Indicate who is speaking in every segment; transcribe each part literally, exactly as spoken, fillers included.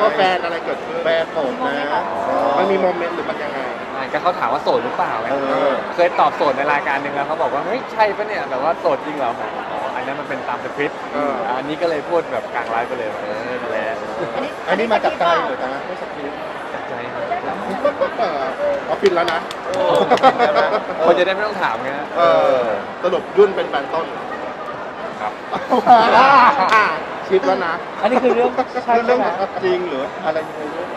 Speaker 1: ว่าแฟนอะไรเกิดขึ้นแฟนโสดนะมันมีโมเมนต์หรือมันยังไง
Speaker 2: ก็เขาถามว่าโสดหรือเปล่าไง
Speaker 1: เออ
Speaker 2: เคยตอบโสดในรายการหนึ่งแล้วเขาบอกว่าเฮ้ยใช่ปะเนี่ยแบบว่าโสดจริงเหรออ๋ออันนั้นมันเป็นตามสคริปต์
Speaker 1: เออ
Speaker 2: อันนี้ก็เลยพูดแบบกลางไลฟ์ไปเลยว่าเออนั่นแหละ
Speaker 1: อันนี้มาจากใจหรือนะไม่สคริปต์
Speaker 2: จากใจครับ
Speaker 1: เออเอาฟินแล้วนะ
Speaker 2: คนจะได้ไม่ต้องถามไงฮะ
Speaker 1: เออสรุปยุ่นเป็นแฟนต้น
Speaker 2: ครับ
Speaker 1: ชิปแล้วนะ
Speaker 3: อันนี้คือเรื่องใช่
Speaker 1: เรื่อง
Speaker 3: ไหม
Speaker 1: จริงหรืออะไรยังไง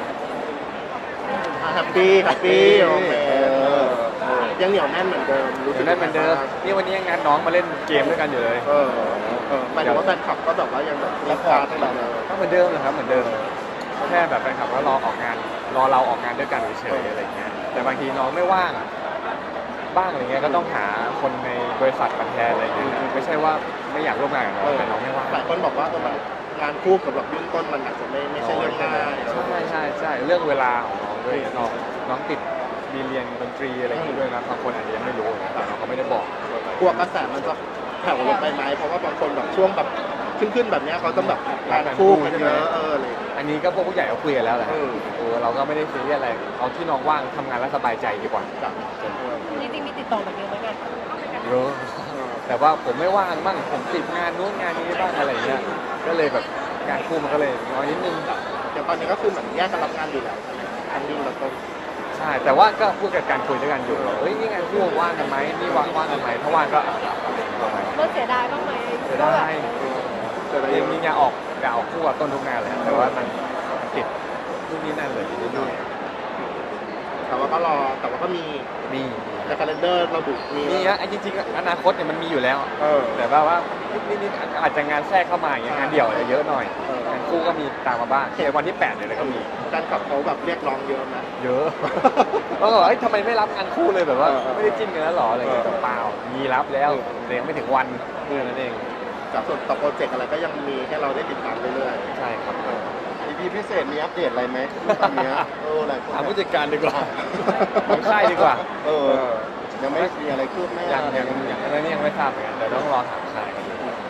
Speaker 1: แฮปปี้แฮปปี้โอเคยังเหนียวแน่นเหมือนเดิมรู้สึก
Speaker 2: ได้เหมือนเดิมนี่วันนี้ยังงานน้องมาเล่นเกมด้วยกันอยู่เลย
Speaker 1: เออเออหมายถึงว่าแฟนคลับก็แบบว่ายังแบบมีการให้เราเลย
Speaker 2: ก็เหมือนเดิมนะครับเหมือนเดิมแค่แบบแฟนคลับก็รอออกงานรอเราออกงานด้วยกันเฉยๆอะไรเงี้ยแต่บางทีน้องไม่ว่างอะบ้างอะไรเงี้ยก็ต้องหาคนในบริษัทมาแทนอะไรเงี้ยไม่ใช่ว่าไม่อยากร่วมงานกับน้องแต่น้องไม่ว่าง
Speaker 1: หลายคนบอกว่าเออมันงานคู่กับแบบยุ่นต้นมันอาจจะไม่ไม่ใช่เรื่องง่าย
Speaker 2: ใช่ใช่ใช่เรื่องเวลาของน้องด้วยน้องน้องติดมีเรียนดนตรีอะไรอย่างเงี้ยด้วยนะบางคนอาจจะยังไม่รู้แต่น้องเขาไม่ได้บอก
Speaker 1: กลัวกระแสมันจะแผ่วลงไปไหมเพราะว่าบางคนแบบช่วงแบบขึ้นขึ้นๆแบบเนี้ยเขาต้องแบบงานคู่กันเยอะเอออะไรอย่างเงี้ย
Speaker 2: อันนี้ก็พวกผู้ใหญ่เขาคุยกันแล้วแหละ
Speaker 1: เออ
Speaker 2: เออเราก็ไม่ได้ซีเรียสอะไรเอาที่น้องว่างทำงานแล้วสบายใจดีกว่า
Speaker 1: จ้ะ
Speaker 3: จริงๆมีติดต่อแบบเดียวไหมกัน
Speaker 2: เยอะแต่ว่าผมไม่ว่างบ้างผมติดงานนู้นงานนี้บ้างอะไรเงี้ยก็เลยแบบงานคู่มันก็เลยน้อยนิดนึง
Speaker 1: เดี๋ยวตอนนี้ก็คือเหมือนแยกกันรับงานอยู่แล้วทั้งยุ่นและต้น
Speaker 2: ใช่แต่ว่าก็พูดกับการคุยด้วยกันอยู่ว่าเฮ้ยนี่งานคู่ว่างกันไหมนี่ว่างว่างกันไหมถ้าว่างก็เอาไป
Speaker 3: เลิกเสียดายบ้างไหม
Speaker 2: เสียดาย
Speaker 1: แต่ละ
Speaker 2: จริงๆอยากออกอยากออกคู่กับต้นทุกงานเลยแต่ว่ามันติดนู่นนี่นั่นเลยนิดหน่อย
Speaker 1: แต่ว่าก็รอแต่ว่าก็มี
Speaker 2: มี
Speaker 1: ในคาล endar ระบุมี
Speaker 2: มีนะไอ้จริงๆอนาคตเนี่ยมันมีอยู่แล้ว
Speaker 1: เออ
Speaker 2: แต่ว่าว่านิดๆอาจจะงานแทรกเข้ามาอย่างเงี้ยงานเดี่ยวเยอะหน่อย
Speaker 1: เออ
Speaker 2: งานคู่ก็มีตามมาบ้างในวันที่แปดเนี่ยเลยก็มี
Speaker 1: การขับเขาแบบเรียกร้องเยอะนะ
Speaker 2: เยอะ แล้วก็บอกเอ้ยทำไมไม่รับงานคู่เลยแบบว่า
Speaker 1: เออเออ
Speaker 2: ไม่ได้จิ้นกันแล้วหรออะไรเงี้ย
Speaker 1: เออ
Speaker 2: เปล่ามีรับแล้วแต่ยังไม่ถึงวันเพื่อนั้นเอง
Speaker 1: จากส่วนต่อโปรเจกต์อะไรก็ยังมีให้เราได้ติดตามเรื่อย
Speaker 2: ใช่ครับ
Speaker 1: ๆ อี พี พิเศษมีอัปเดตอะไรไหมตอนเนี้ยเออหลายคน
Speaker 2: ถามผู้จัดการดีกว่าของค่ายดีกว่า
Speaker 1: เออยังไม่มีอะไรคืบหน้า
Speaker 2: ยังยังยังอันนี้ยังไม่ทราบเหมือนกันเดี๋ยวต้องรอถามค่ายกันดู